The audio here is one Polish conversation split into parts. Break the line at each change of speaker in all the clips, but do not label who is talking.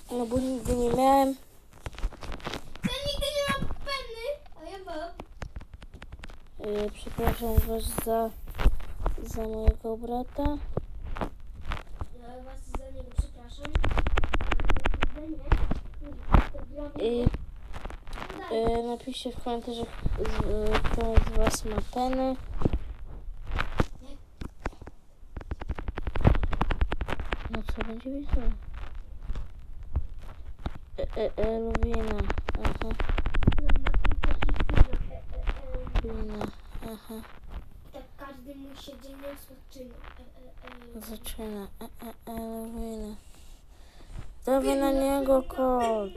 No bo nigdy nie miałem.
Ja nigdy nie mam penny, a ja mam.
Przepraszam was za mojego brata.
Ja was za niego przepraszam.
Napiszcie w komentarzach, kto z was ma penny. No co będzie wiedział? Luwina. Aha. Luwina. Aha.
Tak każdy mój siedzenie
Zaczyna. Luwina. Dawaj na niego kod.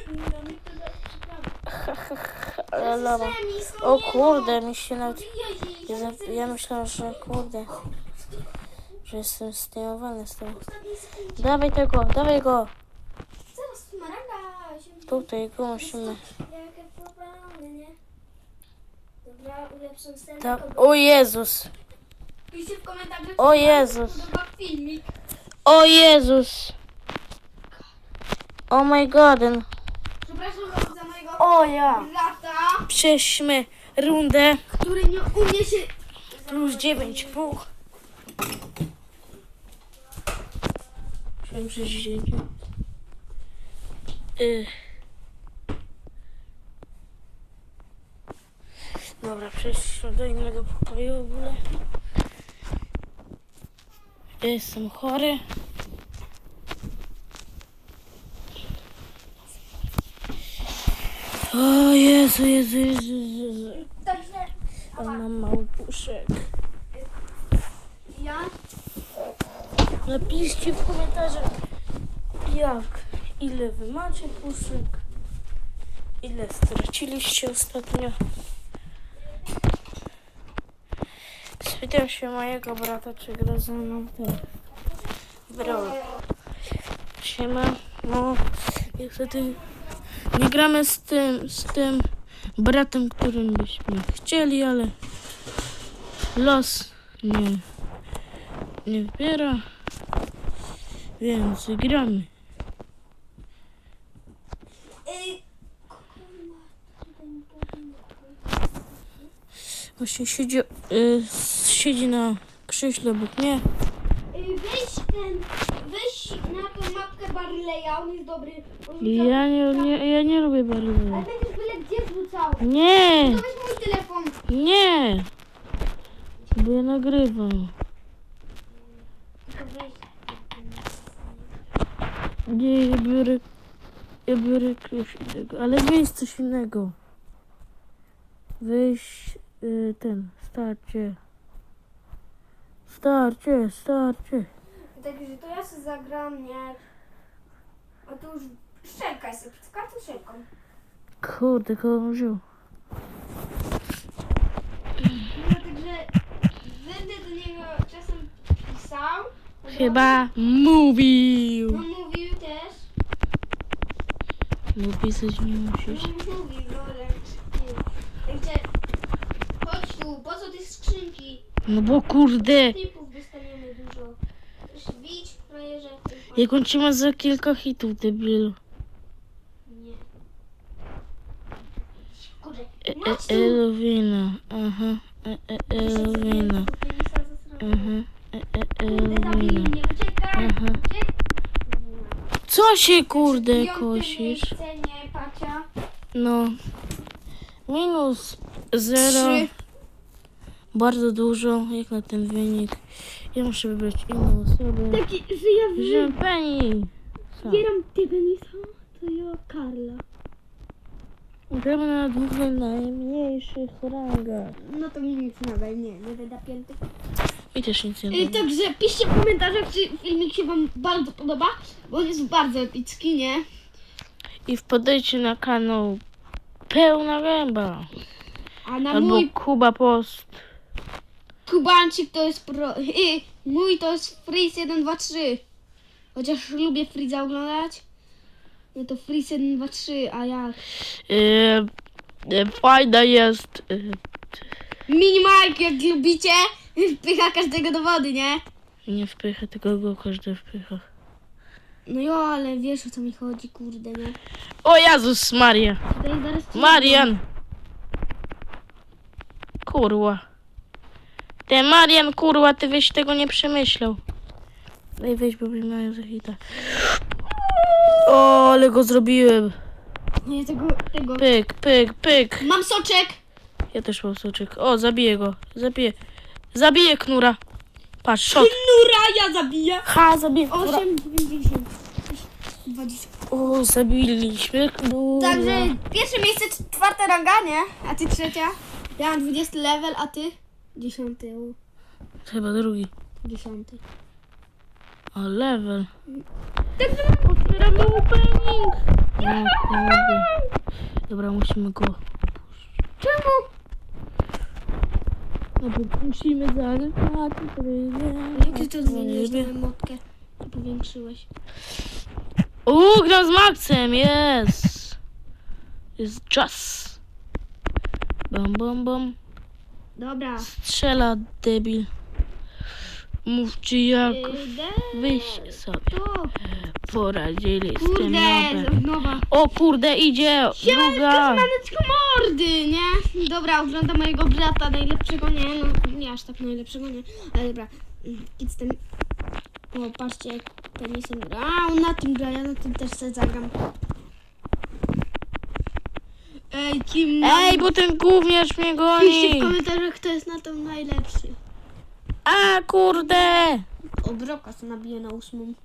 Ale lawa. O kurde, mi się nawet... Ja myślałam, że kurde, że jestem zdejmowany z tego. Dawaj tego, dawaj go.
Zaraz Smaragda się...
Tutaj go musimy...
Jakie problemy, nie? Dobra, ulepszam scenę.
O Jezus.
Piszcie w komentarzach,
O
czy wam
Jezus.
się podoba filmik.
O Jezus. Oh my god.
Przepraszam was za mojego
O ja.
brata,
Przejdźmy rundę.
który nie umie się...
Plus 9,5. Musiałem przejść. Dobra, przejść do innego pokoju w ogóle. Jestem chory. O Jezu.
Także
O, mam mały puszek.
ja...
Napiszcie w komentarzach, ile wy macie puszek, ile straciliście ostatnio. Spytam się mojego brata, czy gra ze mną ten Brawl. Siema, no niestety nie gramy z tym bratem, którym byśmy chcieli, ale los nie wybiera, więc gramy. Właśnie siedzi na krześle obok mnie.
Weź na tą mapkę Barleya, on jest dobry.
Ja nie lubię
Ale
Barleya.
będziesz byle gdzie wrzucał.
Nie,
To weź mój telefon.
nie, bo ja nagrywam.
Tylko weź.
Nie, ja biorę coś innego, ale weź coś innego. Weź starcie.
Także to ja sobie zagram, nie? A to już szczelkaj sobie, z kartuszelką.
Kurde, kogo on wziął?
No także będę do niego czasem pisał.
Chyba mówił.
No mówił też.
No pisać nie musisz.
No mówił, no ale... Także chodź tu, po co te skrzynki?
No bo kurde,
Typów dostaniemy dużo. Też bić, frajerze.
jak on ci ma za kilka hitów, debilu.
Nie. Kurde, chodź tu.
Elowina, aha, Elowina, aha,
Kurde, zabij
Elowina,
mnie, uciekaj.
aha. Co się kurde kosisz?
Nie, Pacia.
No, minus 0, bardzo dużo, jak na ten wynik. Ja muszę wybrać inną osobę.
Taki, że ja
Wziąłem Penny.
wybieram tego Nisa, to ja Karla.
Gramy na dwóch najmniejszych rangach.
No to mi nic nadal, nie wyda pięty.
I też nic nie da.
Także piszcie w komentarzach, czy filmik się wam bardzo podoba, bo on jest bardzo epicki, nie?
I wpadajcie na kanał Pełna Gęba.
A na
Albo
mój
Kuba Post.
Kubańczyk to jest pro... mój to jest Freeze 1, 2, 3. Chociaż lubię Freeza oglądać. No to Freeze 1, 2, 3, a jak?
Fajna jest.
Mini Mike, jak lubicie, wpycha każdego do wody, nie?
Nie wpycha, tylko go każdy wpycha.
No jo, ale wiesz o co mi chodzi, kurde, nie?
O Jezus Maria.
Tutaj zaraz ci-
Marian. Kurwa. Ty Marian, kurwa, ty byś tego nie przemyślał. Ej, weź, bo mi mają za hita. O, ale go zrobiłem.
Nie, tego.
Pyk, pyk, pyk.
Mam soczek!
Ja też mam soczek. O, zabiję go. Zabiję knura. Patrz, shot.
Nura, ja zabiję!
Ha, zabiję knura.
8, 90, 20.
O, zabiliśmy knura.
Także pierwsze miejsce, 4. ranga, nie? A ty 3. Ja mam 20 level, a ty? 10.
Chyba drugi.
10.
O, level.
Także
Otwieramy opening. O, kurde. Dobra, musimy go...
czemu?
No bo musimy zagrać.
Jak ty to zmieniłeś, tę emotkę? To powiększyłeś.
Gram z Maxem, jest. Jest czas. Bam, bam, bam.
Dobra.
Strzela, debil. Mówcie jak wyś sobie
To.
poradzili z tym
Kurde,
nobem.
nowa.
O kurde, idzie druga.
Maneczko mordy, nie? Dobra, oglądam mojego brata, najlepszego, nie? No, nie aż tak najlepszego, nie? Ale dobra, kids ten... O, patrzcie, jak penisem gra. A, on na tym gra, ja na tym też sobie zagram. Ej, kim...
Ej, bo ten gówniarz mnie
Piszcie
goni.
w komentarzach, kto jest na tym najlepszy.
A kurde.
O, Broka co nabije na 8.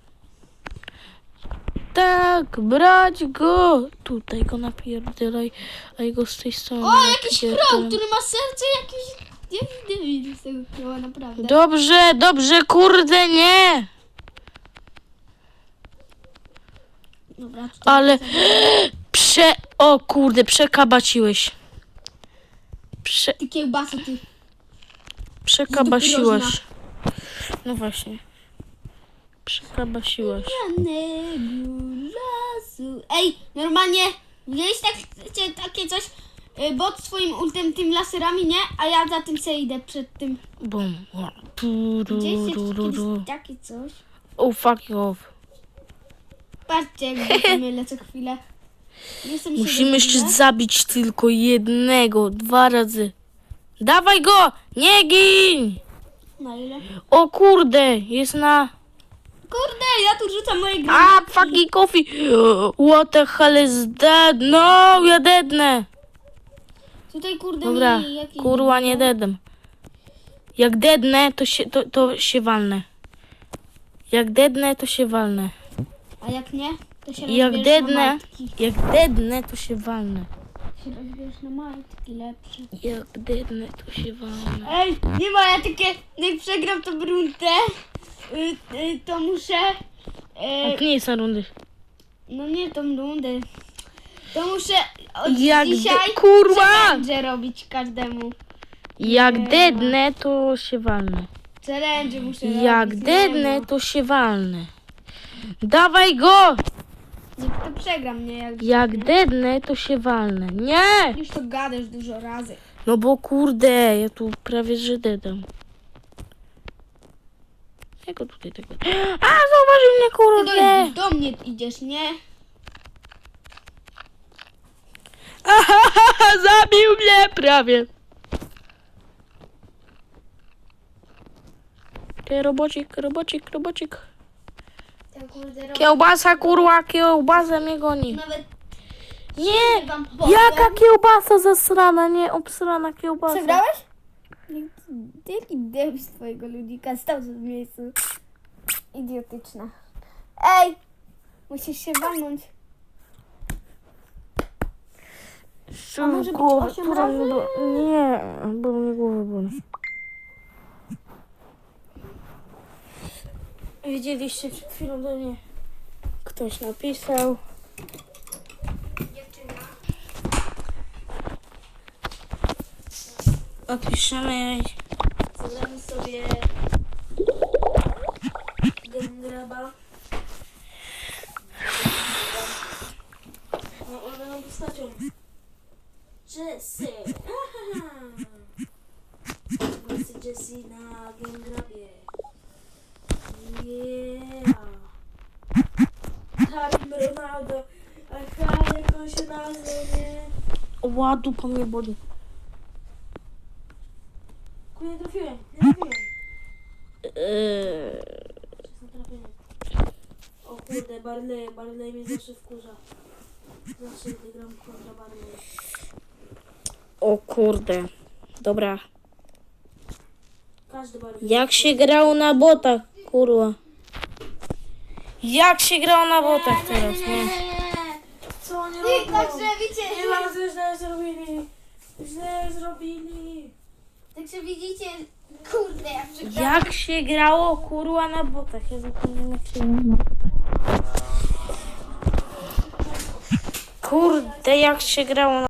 Tak, brać go. Tutaj go napierdalaj, a jego z tej strony.
O, jakiś
napierdalam.
crow, który ma serce jakiś... Nie widzę z tego crowa, naprawdę.
Dobrze, dobrze, kurde, nie.
Dobra, tutaj
Ale o kurde, przekabaciłeś.
Ty kiełbasa, ty.
Przekabasiłeś. No właśnie. Przekabasiłeś.
Lasu. Ej, normalnie widziałeś takie coś, bot swoim ultem tym laserami, nie? A ja za tym se idę przed tym.
Bum.
Widzieliście kiedyś takie coś?
Oh, fuck you off.
Patrzcie, jak bokiem lecę chwilę. Jestem
Musimy jeszcze zabić tylko jednego, 2 razy. Dawaj go! Nie gin!
Na ile?
O kurde, jest na...
Kurde, ja tu rzucam moje gry.
A, fucking coffee! What the hell is that? No, ja dednę!
Tutaj kurde
Dobra,
mi jakiś...
kurwa, nie dedem. Jak dednę, to się walnę. Jak dednę, to się walnę.
A jak nie, to się
Jak
rozbierzesz na
dednę,
majtki.
jak dednę, to się walnę.
Się rozbierzesz na majtki lepsze.
Jak dednę, to się walnę.
Ej, nie ma, ja takie, jak przegram tą rundę, to muszę,
Jak nie jest na rundy.
no nie tą rundę, to muszę od
Jak
dzisiaj
kurwa!
challenge robić każdemu.
Jak dednę, to się walnę.
Challenge muszę
Jak
robić.
dednę, to się walnę. Dawaj go!
Jak to przegram, nie?
Jak dednę, to się walnę. Nie!
Już to gadasz dużo razy.
No bo kurde, ja tu prawie że dedam. Jak go tutaj tego... A, zauważył mnie,
Ty
kurde!
do mnie idziesz, nie?
Ahaha, zabił mnie prawie. Ty, robocik.
Ten kurde robi.
Kiełbasa, kurwa, kiełbasa mnie goni.
Nawet
Nie!
wam
Jaka kiełbasa zasrana, nie obsrana kiełbasa.
przegrałeś? Jaki debil z twojego ludika stał w miejscu. Idiotyczna. Ej! Musisz się walnąć. A może być 8 razy?
Nie, bo mnie głowa boli. Widzieliście przed chwilą do mnie. Ktoś napisał.
Dziewczyna.
Opiszemy.
Zagramy sobie Gengraba. No, one nam postacią. Jessie. Weźcie Jessie na Gengrabie. Yeah.
Ronaldo. Aha, jak on się nazywa, nie?
Ła, dupa mnie boli.
Nie trafiłem, nie trafiłem. O kurde, Barley mnie zawsze wkurza. Zawsze gdy gram kontra Barley.
O kurde. Dobra.
Każdy Barley.
Jak się grało na botach, kurwa. Jak się grało na botach teraz, nie?
Co oni
Ty,
robią?
także widzicie,
Nie bardzo źle zrobili. Źle zrobili.
także widzicie, kurde, ja przegrałam.
Jak się grało, kurwa, na botach? Ja zapomniałem, jak się grało. Kurde, jak się grało na